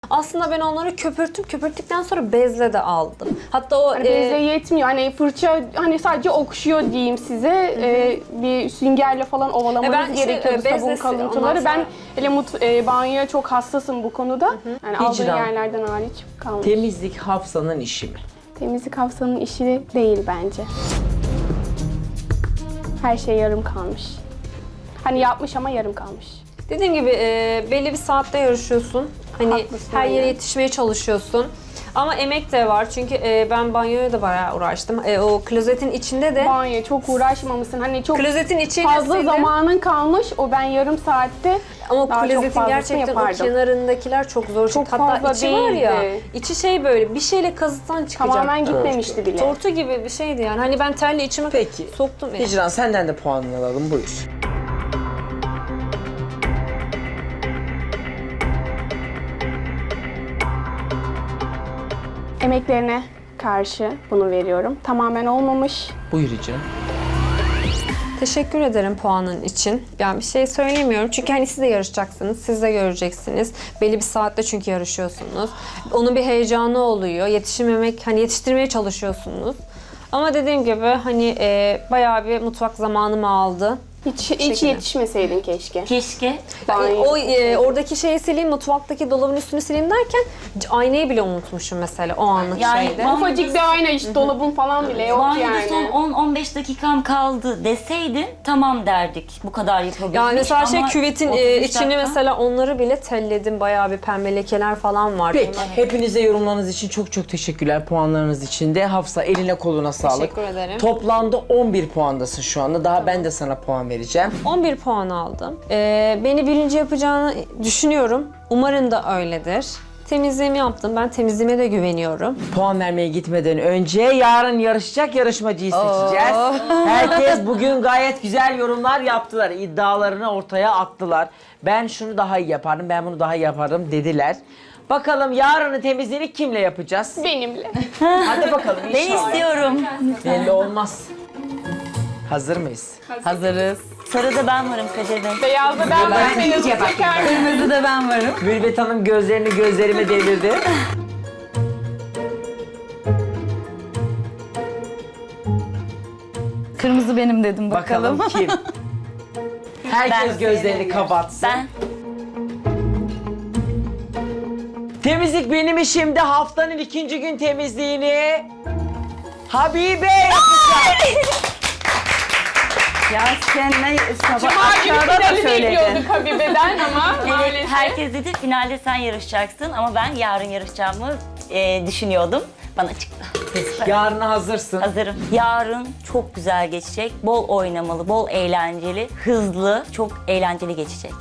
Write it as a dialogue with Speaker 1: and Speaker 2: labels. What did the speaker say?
Speaker 1: Aslında ben onları köpürttüm. Köpürttükten sonra bezle de aldım. Hatta o
Speaker 2: Hani bezle yetmiyor. Hani fırça hani sadece okşuyor diyeyim size. Bir süngerle falan ovalamanız
Speaker 1: Ben işte,
Speaker 2: gerekiyor
Speaker 1: bezle
Speaker 2: sabun kalıntıları.
Speaker 1: ondan
Speaker 2: Ben hele banyoya çok hassasım bu konuda. Yani aldığım
Speaker 3: Hicran.
Speaker 2: yerlerden hariç kalmış.
Speaker 3: Temizlik Hafsa'nın işi mi?
Speaker 2: Temizlik Hafsa'nın işi değil bence. Her şey yarım kalmış. Hani yapmış ama yarım kalmış.
Speaker 1: dediğim gibi belli bir saatte yarışıyorsun. Hani
Speaker 2: Haklısın,
Speaker 1: her yere
Speaker 2: aynen.
Speaker 1: yetişmeye çalışıyorsun. Ama emek de var çünkü ben banyoya da bayağı uğraştım. O klozetin içinde de
Speaker 2: Banyoya çok uğraşmamışsın. Hani çok
Speaker 1: klozetin içiyle
Speaker 2: fazla
Speaker 1: sildim.
Speaker 2: zamanın kalmış. O ben yarım saatte
Speaker 1: Ama
Speaker 2: daha çok
Speaker 1: klozetin
Speaker 2: fazlasını
Speaker 1: gerçekten o
Speaker 2: yapardım.
Speaker 1: kenarındakiler çok zor.
Speaker 2: Çok
Speaker 1: Hatta
Speaker 2: fazla
Speaker 1: içi var ya,
Speaker 2: değildi.
Speaker 1: içi şey böyle bir şeyle kazıktan çıkacak.
Speaker 2: Tamamen gitmemişti bile.
Speaker 1: Tortu gibi bir şeydi yani. Hani ben terli içime
Speaker 3: Peki.
Speaker 1: soktum.
Speaker 3: Hicran senden de puanını alalım. Buyur.
Speaker 2: Emeklerine karşı bunu veriyorum. Tamamen olmamış.
Speaker 3: Buyur Hicran.
Speaker 1: Teşekkür ederim puanın için. Yani bir şey söylemiyorum çünkü hani siz de yarışacaksınız, siz de göreceksiniz. Belli bir saatte çünkü yarışıyorsunuz. Onun bir heyecanı oluyor. Yetişememek, hani yetiştirmeye çalışıyorsunuz. Ama dediğim gibi hani bayağı bir mutfak zamanımı aldı.
Speaker 2: Hiç yetişmeseydin keşke.
Speaker 4: Keşke.
Speaker 1: Yani
Speaker 2: Banyo-
Speaker 1: oradaki şeyi sileyim, mutfaktaki dolabın üstünü sileyim derken aynayı bile unutmuşum mesela o anlık
Speaker 4: Yani
Speaker 1: şeyde.
Speaker 4: ben-
Speaker 2: Ufacık bir ayna işte dolabın falan bile yok
Speaker 4: Banyoda
Speaker 2: yani.
Speaker 4: son 10-15 dakikam kaldı deseydin tamam derdik. Bu kadar yapabilmiş.
Speaker 1: Yani mesela şey
Speaker 4: ama
Speaker 1: küvetin
Speaker 4: 33
Speaker 1: içini
Speaker 4: dakika-
Speaker 1: mesela onları bile telledim. Bayağı bir pembe lekeler falan var.
Speaker 3: Peki.
Speaker 1: Onlar-
Speaker 3: Hepinize yorumlarınız için çok teşekkürler. Puanlarınız için de. Hafsa eline koluna sağlık.
Speaker 1: Teşekkür ederim.
Speaker 3: Toplamda 11 puandasın şu anda. Daha ben de sana puan vereceğim.
Speaker 1: 11 puan aldım. Beni birinci yapacağını düşünüyorum. Umarım da öyledir. Temizliğimi yaptım. Ben temizliğime de güveniyorum.
Speaker 3: Puan vermeye gitmeden önce yarın yarışacak yarışmacıyı seçeceğiz. Herkes bugün gayet güzel yorumlar yaptılar. İddialarını ortaya attılar. Ben şunu daha iyi yaparım, ben bunu daha iyi yaparım dediler. Bakalım yarının temizliğini kimle yapacağız?
Speaker 2: Benimle.
Speaker 3: Hadi bakalım
Speaker 4: Ben
Speaker 3: inşallah.
Speaker 4: istiyorum.
Speaker 3: Belli olmaz. Hazır mıyız?
Speaker 5: Hazırız.
Speaker 4: Sarıda ben varım Kadir Bey.
Speaker 2: Beyazda ben varsayız çeker.
Speaker 5: Kırmızıda ben varım.
Speaker 3: Mürvet Hanım gözlerini gözlerime devirdi.
Speaker 5: Kırmızı benim dedim bakalım.
Speaker 3: Bakalım kim? Herkes
Speaker 4: Ben
Speaker 3: gözlerini kapatsın.
Speaker 4: Ben
Speaker 3: Temizlik benim işimde. Haftanın 2. gün temizliğini Habibe yapacak.
Speaker 5: Ya sen ne sabah
Speaker 2: Cuma günü
Speaker 5: aşağıda da
Speaker 2: finali
Speaker 5: söyledin.
Speaker 2: bekliyorduk Habibe'den ama
Speaker 4: evet,
Speaker 2: maalesef.
Speaker 4: herkes dedi finalde sen yarışacaksın ama ben yarın yarışacağımı düşünüyordum. Bana çıktı.
Speaker 3: Yarına hazırsın.
Speaker 4: Hazırım. Yarın çok güzel geçecek. Bol oynamalı, bol eğlenceli, hızlı, çok eğlenceli geçecek.